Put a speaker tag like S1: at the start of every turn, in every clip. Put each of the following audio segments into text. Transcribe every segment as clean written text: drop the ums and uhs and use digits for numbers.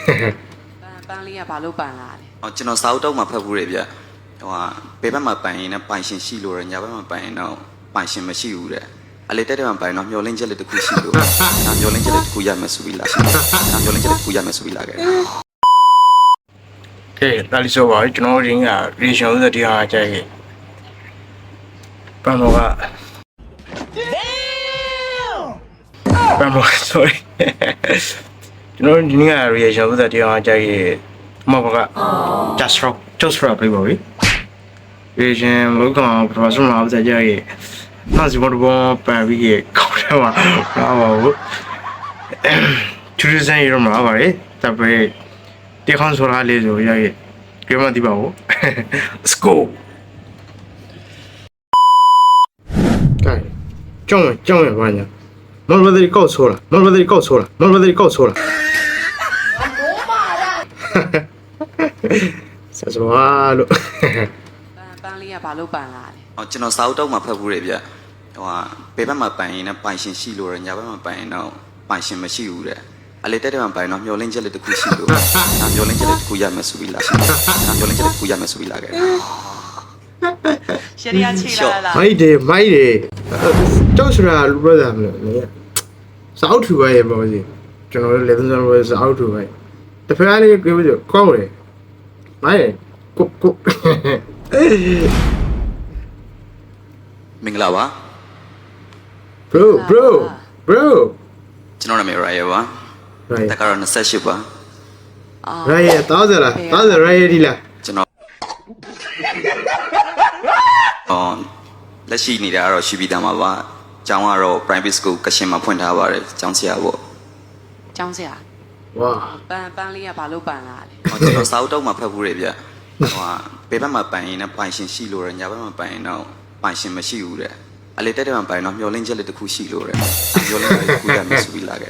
S1: ပန်းလေးကဘာလို့ပန်လာလဲ
S2: ကျွန်တော်စာအုပ်တော့မှဖတ်ဘူးလေဗျဟိုဟာဘယ်ဘက်မှာပန်ရင်လည်းပိုင်ရှင်ရှိလို့ရညာဘက်မှာပန်ရင်တော့ပိုင်ရှင်မရှိဘူးတဲ့အလေတက်တဲ့မှာပန်တော့မျောလင်းချက်လေးတစ်ခုရှိလို့ဒါမျောလင်းချက်လေးတစ်ခုရမယ်ဆိုပြီးလာဒါမျောလင်းချက်လေးတစ်ခုရမယ်ဆိုပြီးလာခဲ့
S3: ကဲဒါလေးဆိုပါကျွန်တော်ရင်းကရေရှောင်းသက်တရားကြိုက်ပန်တော့ကပန်တော့ sorry ကျွန်တော်ဒီနေ့ကရေရှောင်းသက်တရားကြိုက်မဟုတ်က just rock လေးပါဗျရေရှင်းလောကမှာပထမဆုံးမှာသက်ကြိုက်နောက်စီမတော်ပန်ပြီးခေါင်းထဲမှာလာပါဘူးသူစစံရမှာပါလေတပည့်တေခေါင်းဆိုလာလေးဆိုရရဲ့ကြမတိပါဘူး let's go ကဲကြောင်းရပါညာမော်ဘဒရီကောက်ဆိုလာမော်ဘဒရီကောက်ဆိုလာမော်ဘဒရီကောက်ဆိုလာဆက်စပါလို့
S1: ပန်းလေးကဘာလို့ပန်လာလဲ
S2: ကျွန်တော်စာအုပ်တော့မှဖတ်ဘူးလေဗျဟိုဟာဘယ်ဘက်မှာပန်ရင်လည်းပိုင်ရှင်ရှိလို့ရညာဘက်မှာပန်ရင်တော့ပိုင်ရှင်မရှိဘူးတဲ့အလေတက်တဲ့မှာပန်တော့မျောလင်းချက်လေးတစ်ခုရှိလို့ဒါမျောလင်းချက်လေးတစ်ခုရမယ်ဆိုပြီးလာဒါမျောလင်းချက်လေးတစ်ခုရမယ်ဆိုပြီးလာခဲ့
S1: ရှရီယာချီလာလား
S3: မိုက်တယ်ကြောက်စရာလူပြောတာမလို့နေစာအုပ်ထူပါရဲ့ပေါ့စီကျွန်တော်လည်းလက်စံလို့စာအုပ်ထူပါရဲ့တဖက်လေးပြောပြီးကောက်တယ်မိုက်ကို
S2: မင်္ဂလာပါ
S3: bro
S2: ကျွန်တော်နာမည် Raya ပါတက္ကရာ28ပါ
S3: Raya 1000လား1000 Raya ဒီလား
S2: ကျွန်တော်လက်ရှိနေတာကတော့ရှိပြီးသားမှာပါကျောင်းကတော့ private school ကရှင်မှာဖွင့်ထားပါတယ်ကျောင်းဆရာပေါ့
S1: ကျောင်းဆရာ
S3: ဝါ
S1: ပန်းလေးကဘာလို့ပန်လာလဲ
S2: ကျွန်တော်စာအုပ်တော့မှဖတ်ဘူးလေဗျဟိုဟာဘယ်ဘက်မှာပန်ရင်လည်းပိုင်ရှင်ရှိလို့ရညာဘက်မှာပန်ရင်တော့ပိုင်ရှင်မရှိဘူးတဲ့အလေတက်တဲ့မှာပန်တော့မျောလင်းချက်လေးတစ်ခုရှိလို့ရမျောလင်းချက်လေးတစ်ခုရမယ်ဆိုပြီးလာခဲ့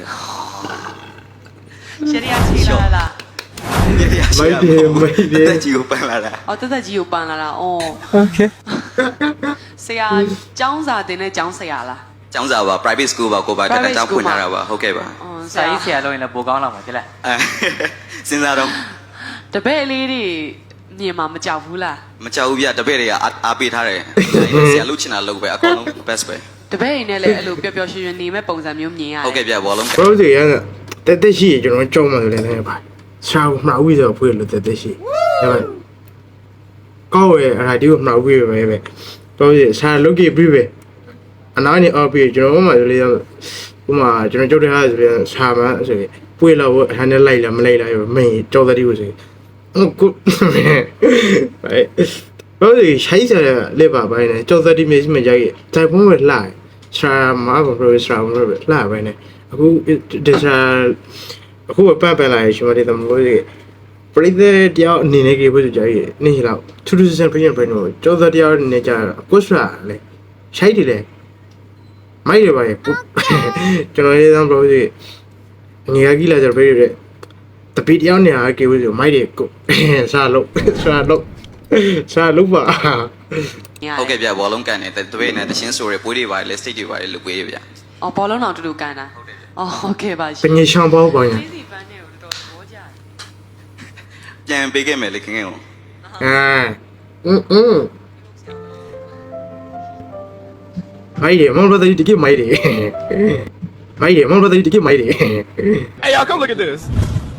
S1: ရှရီယာချီလာလား
S3: မိုက်တယ်
S2: တက်ကြီးကိုပန်လာတာ
S1: တက်ကြီးကိုပန်လာတာအော်
S3: okay
S1: ဆရာကျောင်းစာတင်တဲ့ကျောင်းဆရာလား
S2: ကျောင်းစာပါ private school ပါကိုပါတက်ကျောင်းဖွင့်ထားတာပါဟုတ်ကဲ့ပါ
S1: ဆ
S4: စာ
S1: ရာ
S4: ရေးဆရာလုပ်ရင်လည်းပိုကောင်းလာမှာဖြစ်လား
S2: စဉ်းစားတော့
S1: တပည့်လေးတွေမြင်မှာမကြောက်ဘူးလား
S2: မကြောက်ဘူးဗျတပည့်တွေကအားပေးထားတယ်ဆရာလုပ်ချင်တာလုပ်ပဲအကုန်လုံး best ပဲ
S1: တပည့်ရင်းနဲ့လည်းအဲ့လိုပျော်ပျော်ရွှင်ရွှင်နေမဲ့ပုံစံမျိုးမြင်ရတယ်
S2: ဟုတ်ကဲ့ဗျဘောလုံး
S3: bro စီရတက်ရှိကျွန်တော်ကြောက်မှလည်းလည်းပါရှာမှာဝိဆိုဖွေးလို့တက်ရှိဒါပေမဲ့ကောက်ရဲ့အရာဒီကိုမှာဝိပဲတော့ရှာလုတ်ကြည့်ပြီးပဲအနားနေအော်ပြီးကျွန်တော်မှလေဥမာကျွန်တော်ကြောက်တဲ့ဟာဆိုရင်ရှာမှာဆိုရင်ပွေးလို့အဟန်နဲ့လိုက်လားမလိုက်လားမင်းကြောက်တဲ့ဒီကိုဆိုဟုတ်ကူဘာလို့ရှိုင်းစားလက်ပါပိုင်းနဲ့ကြောက်တဲ့ဒီမျိုးမကြိုက်တိုင်ဖုံးပဲလှရှာမှာဘယ်လိုရှာမှာပဲလှပိုင်းနဲ့အခုဒီရှာအခုပန်းလာရှင်မတဲ့တမလို့ပရိသတ်တယောက်အနေနဲ့ကြည့်ဖို့ကြိုက်နေလောက်ထူးထူးဆန်းပြင်ပြင်တော့ကြောက်တဲ့တယောက်နေကြကိုစရာလေရှိုက်တယ်လေမိုက်ရပါရဲ့ကျွန်တော်လေးသမ်းပြောစီငယ်ကြီးလာကြပြေးရတပီတယောက်နေရာကြည့်ဖို့မိုက်တွေကိုစားလို့ပါ
S2: ဟုတ်ကဲ့ဗျဘောလုံးကန်တယ်တပည့်နဲ့တချင်းဆိုရပွေးတွေပါလေ state တွေပါလေလူပွေးတွေဗျ
S1: အော်ဘောလုံးတော်တူတူကန်တာအော်ဟုတ်ကဲ့ပါရှ
S3: ပ
S1: င်
S3: ညာရှောင်းပေါ့ပါညာ
S1: စီပန်းနဲ့ကိုတော်တော်သဘောကျတယ်
S2: ပြန်ပေးခဲ့မယ်လေခင်ခင်ကို
S3: မိုက်တယ်မောင်တို့တကယ်မိုက်တယ်မောင်တို့တကယ်မိုက်တယ်
S5: Hey, y'all, come look at this.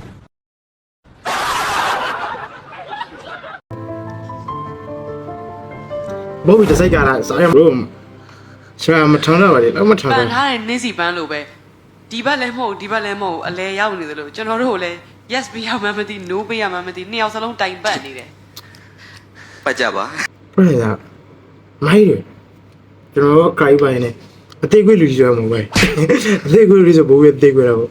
S3: ဘောဝီတစိုက်ကလာစားရမလို့ရှာမထောင်းတော့ပါလေတော့မထောင်း
S1: ပ
S3: တော့
S1: န်ထားတဲ့နင်းစီပန်းလိုပဲဒီဘက်လည်းမဟုတ်ဒီဘက်လည်းမဟုတ်အလဲရောက်နေသလိုကျွန်တော်တို့ကိုလည်း yes ပေးရမှမသိ no ပေးရမှမသိနှစ်ယောက်စလုံးတိုင်ပတ်နေတယ်
S2: ပတ်ကြပါ
S3: ပြည့်ရမိုက်တယ်ကျွန်တော်ကြိုက်ပါနေအသေးခွေးလူကြီးဆိုမှမဟုတ်ပဲအသေးခွေးလူဆိုဘိုးရဲ့အသေးခွေးတော့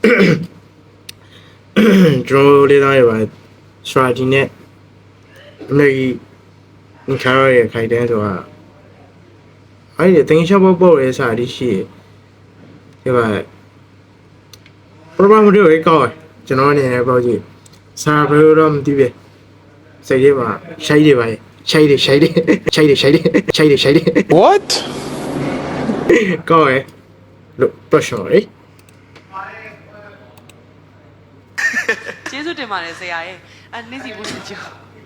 S3: ကျွန်တော်လေးသားရပါစထရာဂျီနဲ့အမေကြီးခါရရဲ့ခိုင်တန်းဆိုတာအဲ့ဒီတင်ချဘောရဲ့စာဒီရှိဒီပါ program တွေကောက်ကျွန်တော်အနေနဲ့ပေါ့ကြည့်စာဘယ်လိုတော့မသိပဲစိတ်ထဲမှာရှိုက်တယ်ပါရှိုက်တယ်
S5: What?
S3: ကောက်လို့ pressure လေ
S1: ကျေကျေးဇူးတင်ပါတယ်ဆရာရဲ့နေ့စီဘူးချေ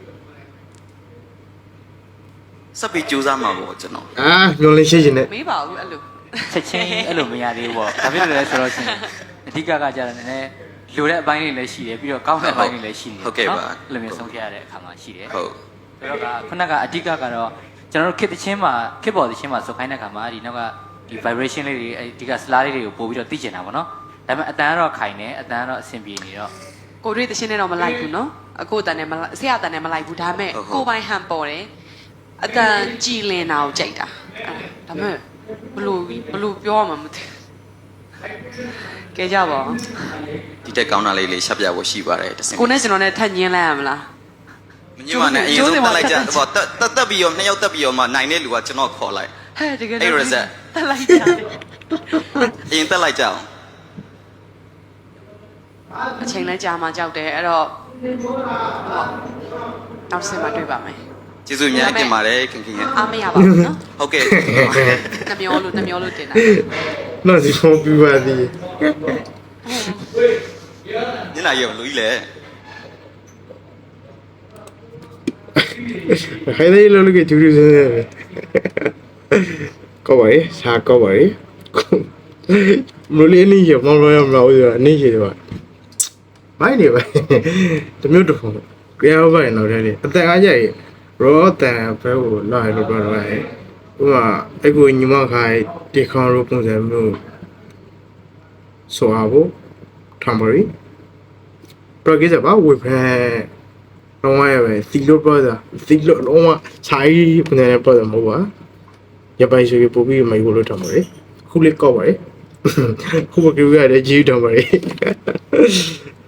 S2: စပ်ပြီးကြိုးစားမှာပေါ့ကျွန်တော်
S3: အာမျောလင်းရှိရှင်နဲ့
S1: မေးပါဘူးအဲ့လို
S4: ချက်ချင်းအဲ့လိုမရသေးဘူးပေါ့ဒါဖြစ်လို့လဲဆိုတော့ရှင်အဓိကကကြတယ်နည်းနည်းလိုတဲ့အပိုင်းတွေလည်းရှိတယ်ပြီးတော့ကောင်းတဲ့အပိုင်းတွေလည်းရှိနေတယ်အဲ့လိုမျိုးဆုံးဖြတ်ရတဲ့အခါမှာရှိတယ်
S2: ဟုတ်
S4: ဆိုတော့ကခုနကအဓိကကတော့ကျွန်တော်တို့ခစ်တချင်းမှာခစ်ပေါ်တချင်းမှာစုပ်ခိုင်းတဲ့အခါမှာဒီနောက်ကဒီ vibration လေးတွေဒီက slide လေးတွေကိုပို့ပြီးတော့သိကျင်တာပေါ့နော်ဒါပေမဲ့အတန်ကတော့ခိုင်နေအတန်ကတော့အဆင်ပြေနေတော့
S1: ကိုတွေ့တရှင်းနဲ့တော့မလိုက်ဘူးနော်အကိုတန်နဲ့မလိုက်ဆရာတန်နဲ့မလိုက်ဘူးဒါပေမဲ့ကိုပိုင်းဟန်ပေါ်တယ်အတန်ကြည်လင်တာကိုကြိုက်တာဒါပေမဲ့ဘလို့ပြောရမှာမသိကဲကြပါဦး
S2: ဒီတက်ကောင်းတာလေးလေးရှက်ပြဖို့ရှိပါတယ်တစ်စင်
S1: ကိုနဲ့ကျွန်တော်နဲ့ထပ်ညင်းလိုက်ရမလား
S2: မညမနဲ့အရင်ဆုံးတက်လိုက်ကြဟောတက်ပြီးရောနှစ်ယောက်တက်ပြီးရောမှနိုင်တဲ့လူကကျွန်တော်ခေါ်လိုက်
S1: ဟဲ့တကယ်
S2: အဲ့ရစက်
S1: တက်လိုက်ကြတယ်
S2: အရင်တက်လိုက်ကြအောင်
S1: အချိန်လဲကြာမှကြောက်တယ်အဲ့တော့နောက်ဆင်မှာတွေ့ပါမယ်
S2: ကျေးဇူးအများကြီးတင်ပါတယ်ခင်ခင်ရဲ့
S1: အားမရပါဘူးနော်
S2: ဟုတ်ကဲ့
S1: နှမျောလို့တင်တာ
S3: နော်ဒီဖုန်းပြပါသည်
S2: ညနာရုံလူကြီးလေ
S3: ခိုင်တဲ့လောက်ကကျူးကျူးစမ်းစမ်းပဲကောပါရေစားကောပါရေမလို့နေရမလို့ရမလို့ရနေရတော့မိုင်းနေပဲတမျိုးတစ်ဖုန်းကြောက်ပါရင်တော့လေအတန်အားကြရရောတန်ဘဲကိုလာရလို့ပြောတော့ဟဲ့ဥမာအဲ့ကိုညီမခိုင်တေခေါင်ရိုးပုံစံမျိုးဆိုအောင်ထမ်ဘရီပရိုဂရမ်ပါဝေဖန်တော့ရပဲစီလို့ပြောတာစီလို့တော့ဆိုင်ပုံစံနဲ့ပြောတာမဟုတ်ပါရပိုင်ဆိုပြီးပို့ပြီးမိုက်ကိုလို့ထမ်ဘရီခုလေးကောက်ပါလေခုမကြည့်ရတဲ့ကြီးထမ်ဘရီ